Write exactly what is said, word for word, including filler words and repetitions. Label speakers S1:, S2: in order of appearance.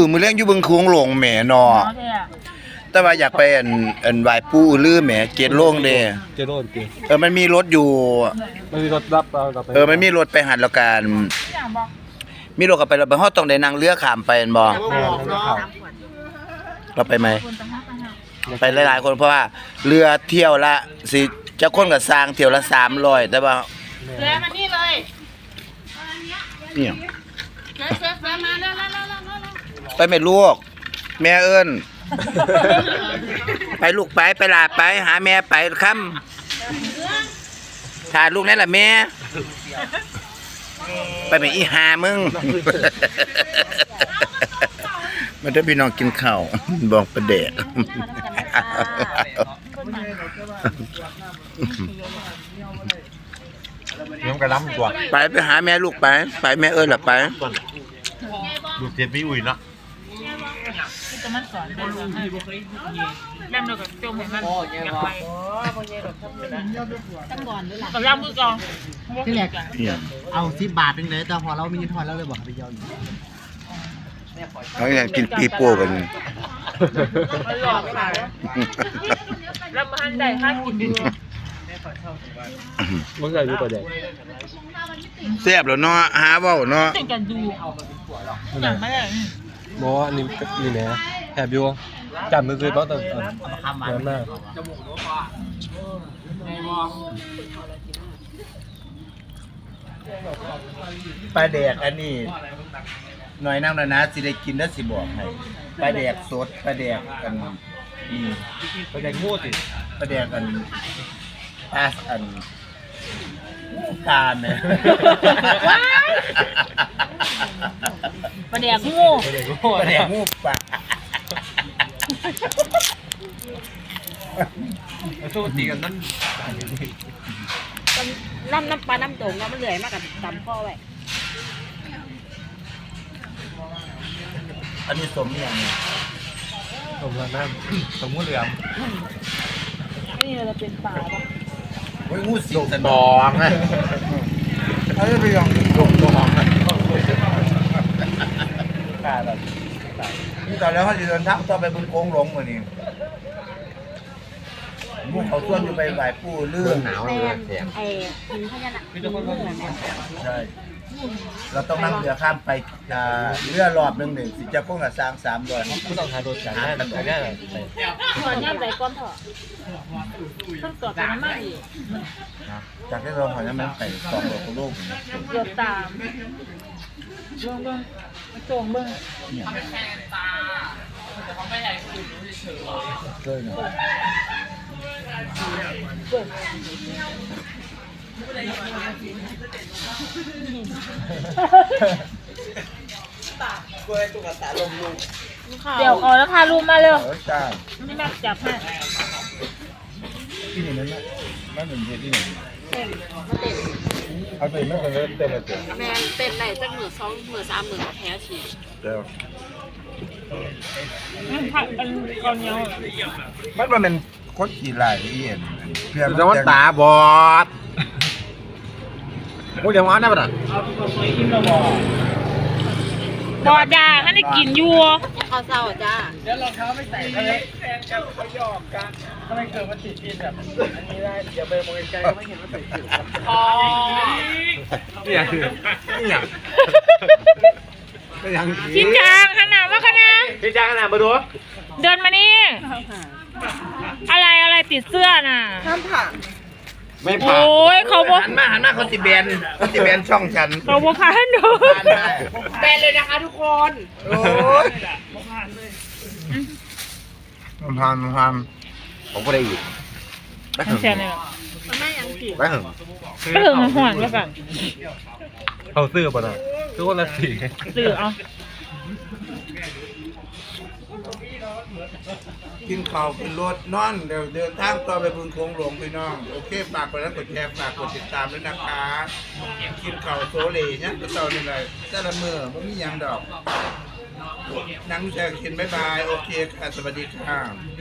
S1: มือเลี้ยงอยู่บึงโค้งหลงแหมนอแต่ว่าอยากไปอันอันไหว้ปู่อือลือแหมเจ็ดโลงเด้
S2: เจโร่จริง
S1: เออมันมีรถอยู่
S2: มันมีรถรับเราเราไป
S1: เออมันมีรถไปหันแล้วกันมีรถกลับไปแล้วไปฮอดต้องได้นั่งเรือข้ามไปแม่นบ่เราไปไหมไปหลายๆคนเพราะว่าเรือเที่ยวละสิจะคนก็สร้างเที่ยวละสามร้อยแต่ว่า
S3: เสือมานี่เลย
S1: เนี่ย
S3: เสือเสือเสือมาแล้วแล้วแล้วแล้ว
S1: ไปแม่ลูกแม่เอิ้นไปลูกไปไปลาไปหาแม่ไปค่ำถ่ายลูกนั่นล่ะแม่ไปแม่อีหามึงมันได้พี่น้องกินข้าวบอกประเดะ
S2: ยังกระล้ำตัว
S1: ไปไปหาแม่ลูกไปไปแม่เอิ้นล่ะไป
S2: ดูเทียนพี่อุ่ยเนาะ
S3: จะมันสอนเป็นแบบให้แม่เดียวกับโจมเห็นมันอยากไปตั้งก่อนด้วยล่ะกับย่างมือกอง
S4: ที่แรก
S1: เนี่ย
S4: เอาสิบบาทเป็นเลยแต่พอเรามีเงินทอนแล้วเลยบอกไปยอม
S1: เขาอยากกินปีโป้กัน
S3: มันหลอกขายแล้วมาหันได้ห้ากินดู
S2: มึงเคยดูประเด็น
S1: แซ่บแล้วเนาะหาเว้าเนาะ
S3: ติดกันดูอย่างไม่ได้
S2: โมอันนี้นี่นะแถบอยู่จำมือคือเพราะแต่เงินมาก
S1: ปลาแดกอันนี้หน่อยนั่งนะนะสิได้กินแล้วสิบอกให้ปลาแดกสดปลาแดกกันนี่
S2: ประเด็นงูสิ
S1: ปลาแดกกันปลาอันตาลเนี่ย
S3: ประเดี๋ยวงู
S2: ประเด็นงู
S1: ปลาแดกงูปลา
S2: สู้ตีกันนั่น
S3: น้ำน้ำปลาน้ำโด่งแล้วมันเหนื่อยมากกับตำพ่อไว้
S1: อันนี้สมอย่างนี้
S2: สมน้ำสมงูเหลือม
S3: นี่เราเป็นปลาป่ะ
S1: โอ้ยงูสิงสนองอ่ะเขาจะไปลองดงดงอ่ะกล้าแบบนี่ตอนแล้วเขาจะเดินทางต่อไปบนโค้งหลงมานี่มูเขาส่วนอยู่ไปไหว้ปู่เรื่องหนาว
S3: แมนไอ้หินพญานาคหินเหมือนเนี่ย
S1: ใช่เราต้องนั่งเรือข้ามไปอ่าเรือรอบหนึ่งหนึ่งสิจะคงกับสร้างสามร้อย
S2: ผู้ต้องหาโดนจับได้แต่ได้
S3: ถอนย่ำใจก้อนเถอะต้องตรวจกันมากอีก
S1: จากที่เราขอจะมันไปสองร้อยกิโล
S3: เกือบตามเบิ้งเบิ้งโจงเบิ้ง
S1: เกินเนาะ
S3: เดี๋ยวเอาแล้วพาลูกมาเร็ว
S1: เออจ้า
S3: นี่แม่จับให้
S1: ที่นี่นั่นนะนั่นเป็นที่นี่
S3: เต้นมาเต้น
S2: เอาไปไม่เป็นเรื่องเต็มเลยเต็ม
S3: แมนเต้นไหนจังหมื่นสองหมื่นสามหมื่นแท้ฉีด
S1: เดี๋ยว
S3: ผักอันก่อนเนี้ย
S1: มันมันเป็นคนขี่ลายที่เห็นเพื่อน
S2: จะว่าตาบอดโอ้ยเดี๋ยวมาได้ปะน่ะ
S3: บอดาให้ได้กินอยู่
S4: ข้าวเศร้าจ้า
S3: อ๋อ
S2: นี่อย่างนี่อย่างนี่อย่าง
S3: ชิ้นจางขนาดว่าขนาด
S2: พี่จ้างขนาดมาดู
S3: เดินมานี่อะไรอะไรติดเสื้อน่ะ
S2: ไม่ผ่าน
S3: โอ้ยเขาบอก
S1: หันมาหันมาเขาสิแบนเขาสิแบนช่องฉัน
S3: เขาบอกพาหนู
S1: ผ่านได้
S3: แบนเลยนะคะทุกคน
S1: โอ้ยมันผ่านมันผ่าน
S2: ผมก็ได้อีก
S1: ไปถึง
S3: แช่เลย
S1: ไปถึง
S3: ก็ถึงมันห่วงแล้วกัน
S2: เขาซื้อป่ะน่ะซื้อคนละสี่
S3: สื่อเอา
S1: กินข้าวเป็นรถนอนเดี๋ยวเดินทางต่อไปบึงโค้งหลวงพี่น้องโอเคฝากกดไลค์กดแชร์ฝากกดติดตามด้วยนะคะกินข้าวโซเลเนี่ยก็เต่านี่เลยแต่ละมื้อบ่มีหยังดอกนั่งแชร์กินบ๊ายบายโอเคค่ะสวัสดีค่ะ